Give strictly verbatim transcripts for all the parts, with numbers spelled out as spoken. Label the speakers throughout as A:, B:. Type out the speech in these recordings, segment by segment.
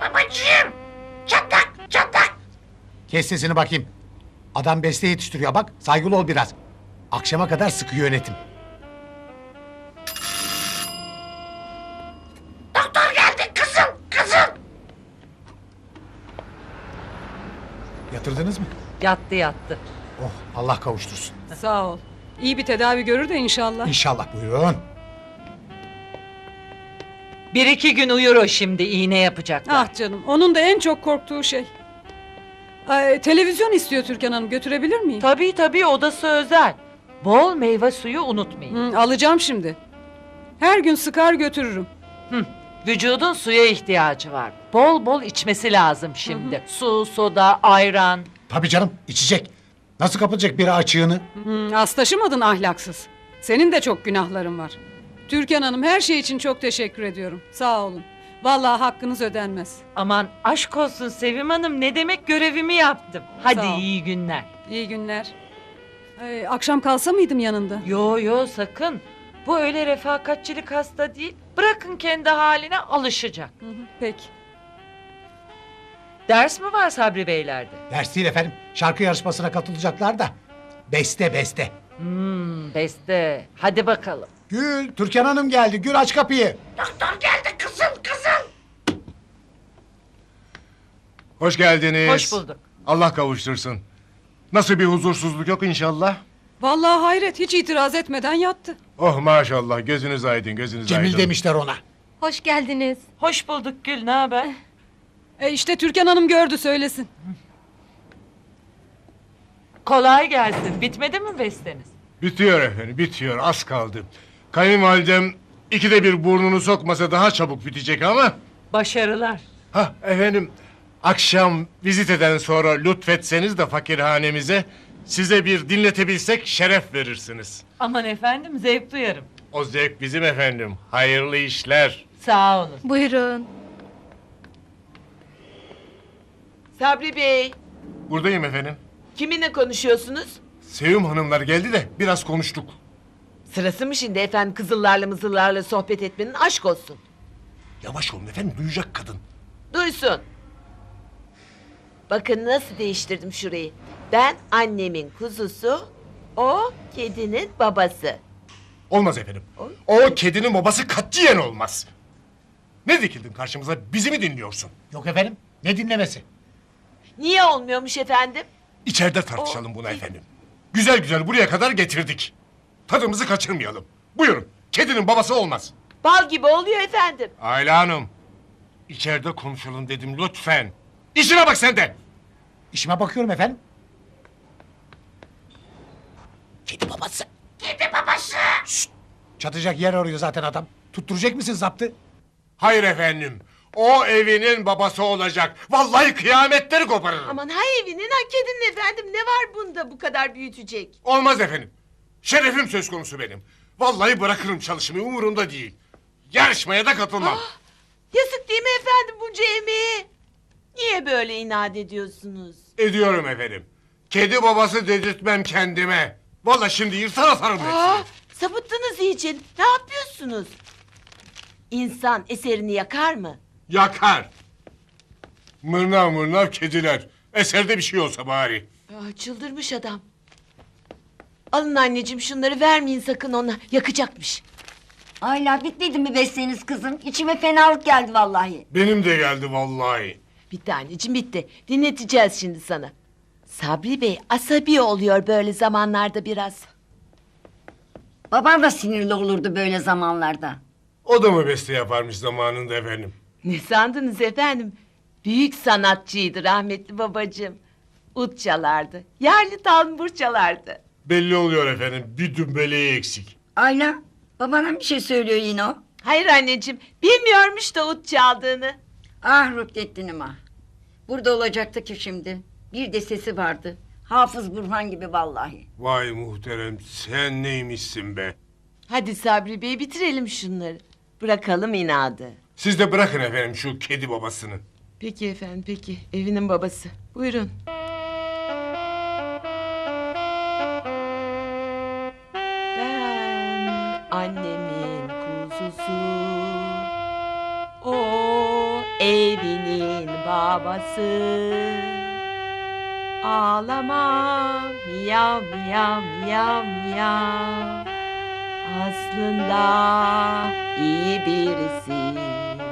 A: Babacığım! Çatlak, çatlak!
B: Kes sesini bakayım. Adam beste yetiştiriyor bak. Saygılı ol biraz. Akşama kadar sıkı yönetim.
A: Doktor geldi kızım, kızım!
B: Yatırdınız mı?
C: Yattı yattı.
B: Oh, Allah kavuştursun.
D: Sağ ol. İyi bir tedavi görür de inşallah.
B: İnşallah, buyurun.
C: Bir iki gün uyur o şimdi, iğne yapacaklar.
D: Ah canım, onun da en çok korktuğu şey. Ay, televizyon istiyor Türkan Hanım, götürebilir miyim?
C: Tabii tabii, odası özel. Bol meyve suyu unutmayın.
D: Hı, alacağım şimdi. Her gün sıkar götürürüm.
C: Hı, vücudun suya ihtiyacı var. Bol bol içmesi lazım şimdi. Su, soda, ayran.
B: Tabii canım, içecek. Nasıl kapatacak biri açığını?
D: Hı, az taşımadın ahlaksız. Senin de çok günahların var. Türkan Hanım, her şey için çok teşekkür ediyorum. Sağ olun. Vallahi hakkınız ödenmez.
C: Aman aşk olsun Sevim Hanım, ne demek, görevimi yaptım. Hadi
D: Sağ ol.
C: iyi günler.
D: İyi günler. Ay, akşam kalsa mıydım yanında?
C: Yo yo sakın. Bu öyle refakatçilik hasta değil. Bırakın kendi haline, alışacak.
D: Hı hı, peki.
C: Ders mi var Sabri Beylerde?
B: Ders değil efendim. Şarkı yarışmasına katılacaklar da. Beste beste.
C: Hmm, beste. Hadi bakalım.
B: Gül, Türkan Hanım geldi. Gül aç kapıyı.
A: Doktor geldi kızım, kızım!
E: Hoş geldiniz.
C: Hoş bulduk.
E: Allah kavuştursun. Nasıl bir huzursuzluk yok inşallah?
D: Vallahi hayret, hiç itiraz etmeden yattı.
E: Oh maşallah, gözünüz aydın, gözünüz aydın.
B: Cemil demişler ona.
F: Hoş geldiniz.
C: Hoş bulduk Gül, ne haber?
D: E işte Türkan Hanım gördü, söylesin.
C: Kolay gelsin. Bitmedi mi besteniz?
E: Bitiyor efendim, bitiyor, az kaldı. Kayınvalidem ikide bir burnunu sokmasa daha çabuk bitecek ama...
C: Başarılar.
E: Hah efendim, akşam viziteden sonra lütfetseniz de fakirhanemize... ...size bir dinletebilsek şeref verirsiniz.
C: Aman efendim, zevk duyarım.
E: O zevk bizim efendim, hayırlı işler.
C: Sağ olun.
F: Buyurun.
G: Sabri Bey,
E: Buradayım efendim.
G: kiminle konuşuyorsunuz?
E: Sevim hanımlar geldi de biraz konuştuk.
G: Sırası mı şimdi efendim kızıllarla mızıllarla sohbet etmenin, aşk olsun.
E: Yavaş olun efendim, duyacak kadın.
G: Duysun. Bakın nasıl değiştirdim şurayı. Ben annemin kuzusu, o kedinin babası.
E: Olmaz efendim. O kedinin babası katiyen olmaz. Ne dikildin karşımıza, bizi mi dinliyorsun?
B: Yok efendim, ne dinlemesi?
G: Niye olmuyormuş efendim?
E: İçeride tartışalım bunu efendim. Güzel güzel buraya kadar getirdik. Tadımızı kaçırmayalım. Buyurun, kedinin babası olmaz.
G: Bal gibi oluyor efendim.
E: Ayla Hanım, içeride konuşalım dedim lütfen. İşine bak sen de.
B: İşime bakıyorum efendim. Kedi babası.
A: Kedi babası!
B: Çatacak yer arıyor zaten adam. Tutturacak mısın zaptı?
E: Hayır efendim. O evinin babası olacak. Vallahi kıyametleri koparırım.
G: Aman ha evinin ha kedinin efendim, ne var bunda bu kadar büyütecek?
E: Olmaz efendim. Şerefim söz konusu benim. Vallahi bırakırım çalışmayı, umurumda değil. Yarışmaya da katılmam.
G: Yazık değil mi efendim bunca emeği? Niye böyle inat ediyorsunuz?
E: Ediyorum efendim. Kedi babası dedirtmem kendime. Vallahi şimdi yırtar atarım
G: Aa,
E: hepsini.
G: sapıttınız iyice. Ne yapıyorsunuz? İnsan eserini yakar mı?
E: Yakar. Mırnav mırnav kediler. Eserde bir şey olsa bari.
G: Aa, çıldırmış adam. Alın anneciğim şunları, vermeyin sakın ona. Yakacakmış.
F: Ayla bitmedi mi besleğiniz kızım? İçime fenalık geldi vallahi.
E: Benim de geldi vallahi.
G: Bitti anneciğim bitti. Dinleteceğiz şimdi sana. Sabri Bey asabi oluyor böyle zamanlarda biraz.
F: Babam da sinirli olurdu böyle zamanlarda.
E: O da mı beste yaparmış zamanında efendim?
G: Ne sandınız efendim? Büyük sanatçıydı rahmetli babacığım. Ut çalardı. Yerli tambur çalardı.
E: Belli oluyor efendim. Bir dümbeleği eksik.
F: Ayla babana bir şey söylüyor yine o.
G: Hayır anneciğim, bilmiyormuş da ut çaldığını.
F: Ah Rüknettin'im ah. Burada olacaktı ki şimdi. Bir de sesi vardı. Hafız Burhan gibi vallahi.
E: Vay muhterem, sen neymişsin be?
G: Hadi Sabri Bey bitirelim şunları. Bırakalım inadı.
E: Siz de bırakın efendim şu kedi babasını.
G: Peki efendim peki. Evinin babası. Buyurun. Ben annemin kuzusu. O evinin babası. Ağlama miyav miyav miyav miyav. Aslında iyi birisi.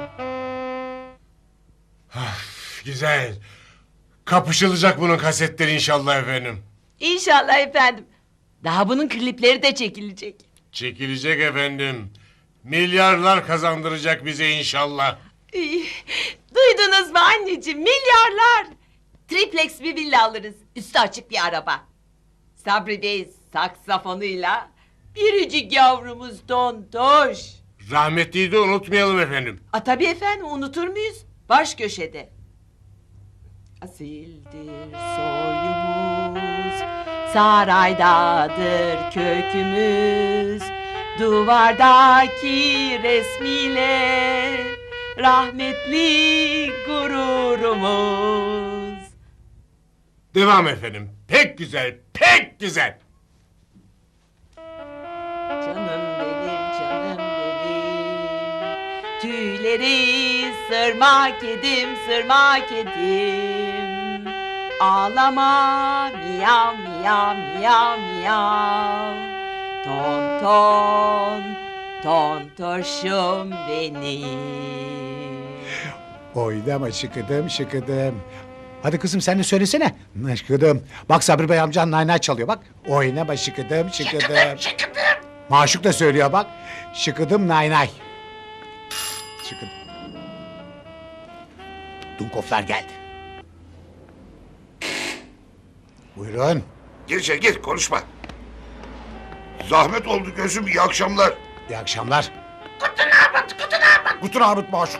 E: Güzel. Kapışılacak bunun kasetleri inşallah efendim.
G: İnşallah efendim. Daha bunun klipleri de çekilecek.
E: Çekilecek efendim. Milyarlar kazandıracak bize inşallah.
G: İy, duydunuz mu anneciğim? Milyarlar. Triplex bir villa alırız. Üstü açık bir araba. Sabri Bey saksafonuyla. Biricik yavrumuz Tontoş.
E: Rahmetliyi de unutmayalım efendim.
G: A tabii efendim, unutur muyuz? Baş köşede. Asildir soyumuz, saraydadır kökümüz, duvardaki resmiyle rahmetli gururumuz.
E: Devam efendim. Pek güzel, pek güzel.
G: Canım benim, canım benim, tüyleri sırma kedim, sırma kedim. Ağlama miyav miyav miyav miyav. Ton ton, tontoşum benim.
B: Oynama şıkıdım şıkıdım. Hadi kızım sen de söylesene. Şıkıdım. Bak Sabri Bey amcan naynay çalıyor bak. Oynama şıkıdım şıkıdım.
A: Şıkıdım şıkıdım.
B: Maşuk da söylüyor bak. Şıkıdım naynay. Şıkıdım. Dunkoflar geldi. Buyurun.
H: Gir içeri gir konuşma. Zahmet oldu gözüm iyi akşamlar.
B: İyi akşamlar.
A: Guten Abend, guten Abend.
B: Guten Abend Maşuk.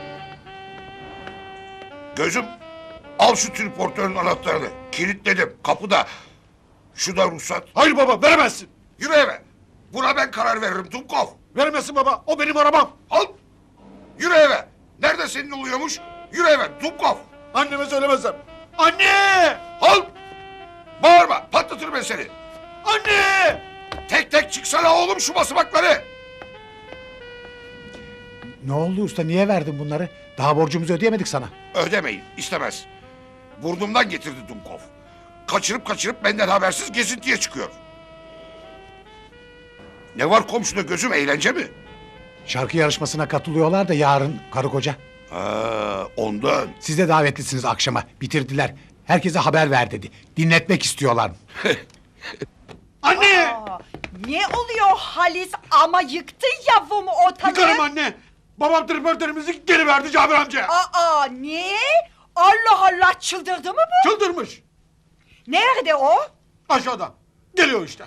H: Gözüm al şu triportörün anahtarını. Kilitledim kapıda. Şu da ruhsat.
B: Hayır baba veremezsin.
H: Yürü eve. Buna ben karar veririm Dumkov.
B: Veremezsin baba. O benim arabam.
H: Al. Yürü eve. Nerede senin oluyormuş? Yürü eve Dumkov.
B: Anneme söylemezsem. Anne!
H: Al. Bağırma patlatırım ben seni.
B: Anne!
H: Tek tek çıksana oğlum şu basamakları.
B: Ne oldu usta niye verdin bunları? Daha borcumuzu ödeyemedik sana.
H: Ödemeyin istemez. Burnumdan getirdi Dumkov. Kaçırıp kaçırıp benden habersiz gezintiye çıkıyor. Ne var komşuda gözüm eğlence mi?
B: Şarkı yarışmasına katılıyorlar da yarın karı koca.
H: Ha, ondan.
B: Siz de davetlisiniz akşama. Bitirdiler. Herkese haber ver dedi. Dinletmek istiyorlar.
I: Anne! Ne oluyor Halis ama yıktın yavrumu ortalığı?
B: Yıkarım anne. Babam tripörtörümüzü geri verdi Cabir amca.
I: Aa niye? Allah Allah çıldırdı mı bu?
B: Çıldırmış.
I: Nerede o?
B: Aşağıda. Geliyor işte.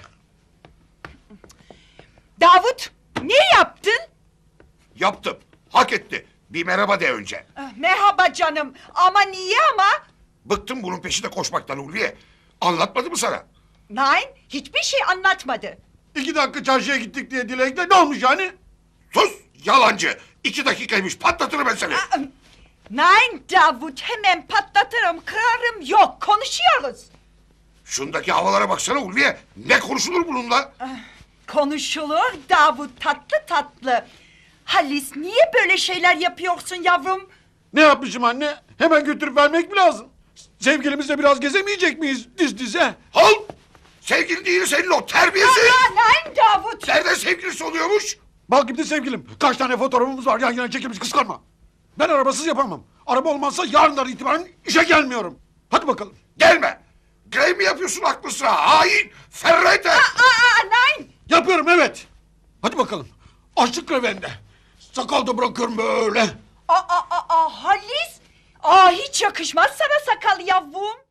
I: Davut ne yaptın?
H: Yaptım. Hak etti. Bir merhaba de önce.
I: Ah, merhaba canım ama niye ama?
H: Bıktım bunun peşinde koşmaktan Ulviye. Anlatmadı mı sana?
I: Nein hiçbir şey anlatmadı.
B: İki dakika çarşıya gittik diye dilekte ne olmuş yani?
H: Sus yalancı. İki dakikaymış patlatırım ben seni.
I: Aa, Nein Davut hemen patlatırım kırarım yok konuşuyoruz.
H: Şundaki havalara baksana Ulviye. Ne konuşulur bununla?
I: Konuşulur Davut tatlı tatlı. Halis niye böyle şeyler yapıyorsun yavrum?
J: Ne yapmışım anne? Hemen götürüp vermek mi lazım? Sevgilimizle biraz gezemeyecek miyiz diz dize?
H: Al! Sevgili değil senin o terbiyesiz.
I: Aa, nein Davut.
H: Nereden sevgilisi oluyormuş?
J: Bak gitti sevgilim. Kaç tane fotoğrafımız var yan yana çekilmiş kıskanma. Ben arabasız yapamam. Araba olmazsa yarından itibaren işe gelmiyorum. Hadi bakalım.
H: Gelme. Grey mi yapıyorsun aklı sıra? Hain. Ferrete.
I: Aa, aa, nein.
J: Yapıyorum evet. Hadi bakalım. Açlık grevende. Sakal da bırakıyorum böyle.
I: Aa, aa, aa, Halis. Aa, hiç yakışmaz sana sakal yavrum.